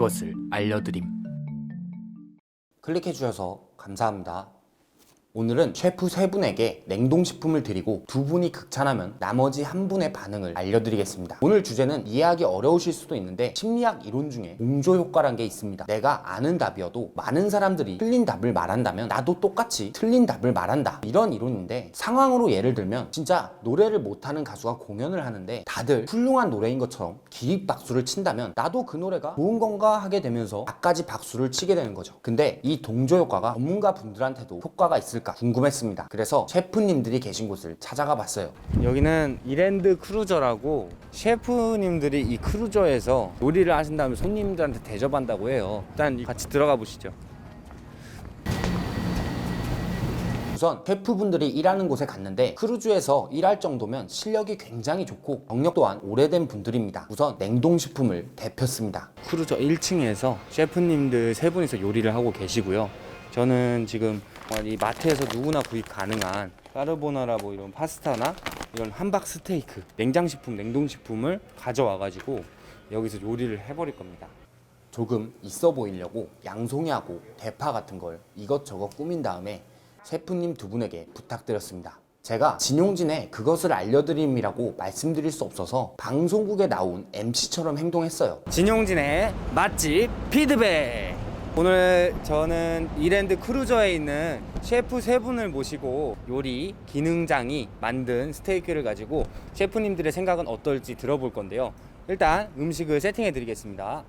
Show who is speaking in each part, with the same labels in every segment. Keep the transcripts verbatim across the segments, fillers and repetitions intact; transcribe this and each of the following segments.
Speaker 1: 그것을 알려드림.
Speaker 2: 클릭해주셔서 감사합니다. 오늘은 셰프 세 분에게 냉동식품을 드리고 두 분이 극찬하면 나머지 한 분의 반응을 알려드리겠습니다. 오늘 주제는 이해하기 어려우실 수도 있는데 심리학 이론 중에 동조 효과란 게 있습니다. 내가 아는 답이어도 많은 사람들이 틀린 답을 말한다면 나도 똑같이 틀린 답을 말한다, 이런 이론인데, 상황으로 예를 들면 진짜 노래를 못하는 가수가 공연을 하는데 다들 훌륭한 노래인 것처럼 기립박수를 친다면 나도 그 노래가 좋은 건가 하게 되면서 나까지 박수를 치게 되는 거죠. 근데 이 동조 효과가 전문가 분들한테도 효과가 있을 궁금했습니다. 그래서 셰프님들이 계신 곳을 찾아가 봤어요. 여기는 이랜드 크루저라고 셰프님들이 이 크루저에서 요리를 하신 다음에 손님들한테 대접한다고 해요. 일단 같이 들어가 보시죠. 우선 셰프분들이 일하는 곳에 갔는데 크루즈에서 일할 정도면 실력이 굉장히 좋고 경력 또한 오래된 분들입니다. 우선 냉동식품을 데폈습니다. 크루저 일 층에서 셰프님들 세 분이서 요리를 하고 계시고요. 저는 지금 이 마트에서 누구나 구입 가능한 까르보나라 뭐 이런 파스타나 이런 함박 스테이크, 냉장식품, 냉동식품을 가져와가지고 여기서 요리를 해버릴 겁니다. 조금 있어 보이려고 양송이하고 대파 같은 걸 이것저것 꾸민 다음에 셰프님 두 분에게 부탁드렸습니다. 제가 진용진의 그것을 알려드림이라고 말씀드릴 수 없어서 방송국에 나온 엠씨처럼 행동했어요. 진용진의 맛집 피드백! 오늘 저는 이랜드 크루저에 있는 셰프 세 분을 모시고 요리 기능장이 만든 스테이크를 가지고 셰프님들의 생각은 어떨지 들어볼 건데요. 일단 음식을 세팅해 드리겠습니다.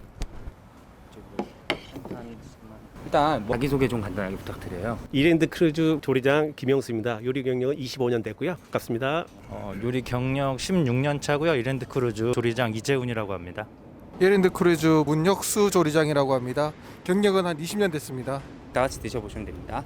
Speaker 2: 일단 자기소개 좀 간단하게 부탁드려요.
Speaker 3: 이랜드 크루즈 조리장 김영수입니다. 요리 경력은 이십오 년 됐고요. 반갑습니다.
Speaker 4: 어, 요리 경력 십육 년 차고요. 이랜드 크루즈 조리장 이재훈이라고 합니다.
Speaker 5: 이랜드 크루즈 문혁수 조리장이라고 합니다. 경력은 한 이십 년 됐습니다.
Speaker 2: 다 같이 드셔보시면 됩니다.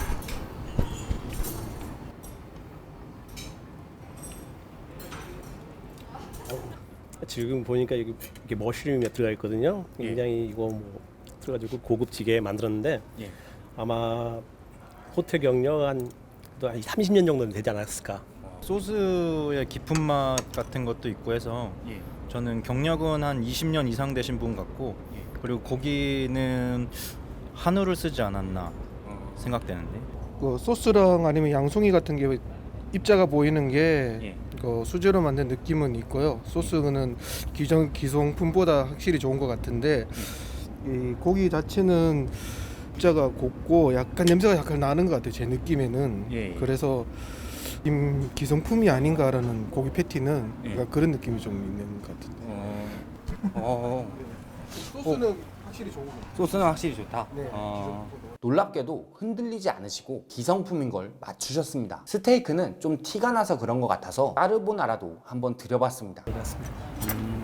Speaker 3: 지금 보니까 이게, 이게 머쉬룸이 들어가 있거든요. 굉장히 이거 뭐 들어가지고 고급지게 만들었는데
Speaker 2: 예.
Speaker 3: 아마 호텔 경력 한, 한 삼십 년 정도는 되지 않았을까.
Speaker 4: 소스의 깊은 맛 같은 것도 있고 해서
Speaker 2: 예.
Speaker 4: 저는 경력은 한 이십 년 이상 되신 분 같고
Speaker 2: 예.
Speaker 4: 그리고 고기는 한우를 쓰지 않았나
Speaker 2: 어.
Speaker 4: 생각되는데
Speaker 5: 그 소스랑 아니면 양송이 같은 게 입자가 보이는 게
Speaker 2: 예.
Speaker 5: 그 수제로 만든 느낌은 있고요. 소스는 기존 기성품보다 확실히 좋은 것 같은데 이 고기 자체는 입자가 곱고 약간 냄새가 약간 나는 것 같아요. 제 느낌에는.
Speaker 2: 예.
Speaker 5: 그래서 임 기성품이 아닌가라는 고기 패티는
Speaker 2: 예.
Speaker 5: 약간 그런 느낌이 좀 있는 것 같은데.
Speaker 2: 어. 어.
Speaker 5: 소스는 확실히 좋은 것 같아요.
Speaker 2: 소스는 확실히 좋다.
Speaker 5: 네.
Speaker 2: 어. 놀랍게도 흔들리지 않으시고 기성품인 걸 맞추셨습니다. 스테이크는 좀 티가 나서 그런 것 같아서 까르보나라도 한번 드려봤습니다. 음.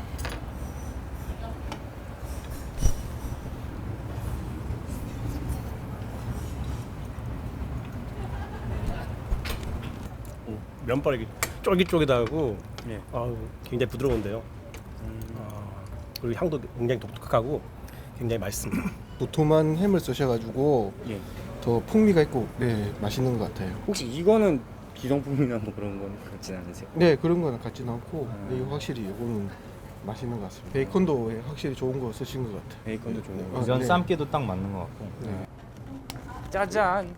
Speaker 3: 면발이 쫄깃쫄깃하고
Speaker 2: 예.
Speaker 3: 아우, 굉장히 부드러운데요. 아, 그리고 향도 굉장히 독특하고 굉장히 맛있습니다.
Speaker 5: 도톰한 햄을 쓰셔가지고
Speaker 2: 예.
Speaker 5: 더 풍미가 있고 네 맛있는 것 같아요.
Speaker 2: 혹시 이거는 기성품이나 뭐 그런 건 그렇진 않으세요?
Speaker 5: 네 그런 거는 같진 않고
Speaker 2: 음.
Speaker 5: 네, 이거 확실히 이거는 맛있는 것 같습니다. 베이컨도 확실히 좋은 거 쓰신 것 같아요.
Speaker 2: 베이컨도 좋은 거.
Speaker 5: 아,
Speaker 4: 이전
Speaker 5: 네.
Speaker 4: 삶기도 딱 맞는 것 같고
Speaker 5: 네.
Speaker 2: 짜잔.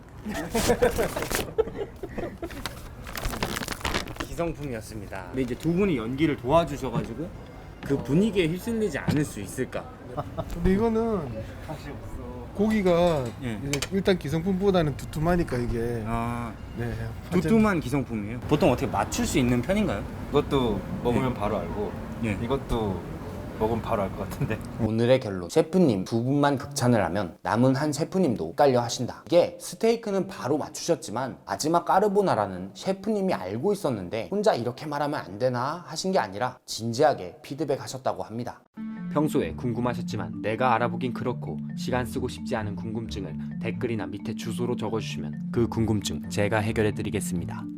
Speaker 2: 기성품이었습니다. 근데 이제 두 분이 연기를 도와주셔가지고 그 분위기에 휩쓸리지 않을 수 있을까?
Speaker 5: 근데 이거는 고기가
Speaker 2: 예.
Speaker 5: 이제 일단 기성품보다는 두툼하니까 이게
Speaker 2: 아,
Speaker 5: 네
Speaker 2: 두툼한 기성품이에요. 보통 어떻게 맞출 수 있는 편인가요?
Speaker 4: 이것도 먹으면
Speaker 2: 예.
Speaker 4: 바로 알고
Speaker 2: 예.
Speaker 4: 이것도 먹으면 바로 알 것 같은데
Speaker 2: 오늘의 결론, 셰프님 두 분만 극찬을 하면 남은 한 셰프님도 헷갈려 하신다. 이게 스테이크는 바로 맞추셨지만 마지막 까르보나라는 셰프님이 알고 있었는데 혼자 이렇게 말하면 안 되나 하신 게 아니라 진지하게 피드백 하셨다고 합니다. 평소에 궁금하셨지만 내가 알아보긴 그렇고 시간 쓰고 싶지 않은 궁금증을 댓글이나 밑에 주소로 적어주시면 그 궁금증 제가 해결해 드리겠습니다.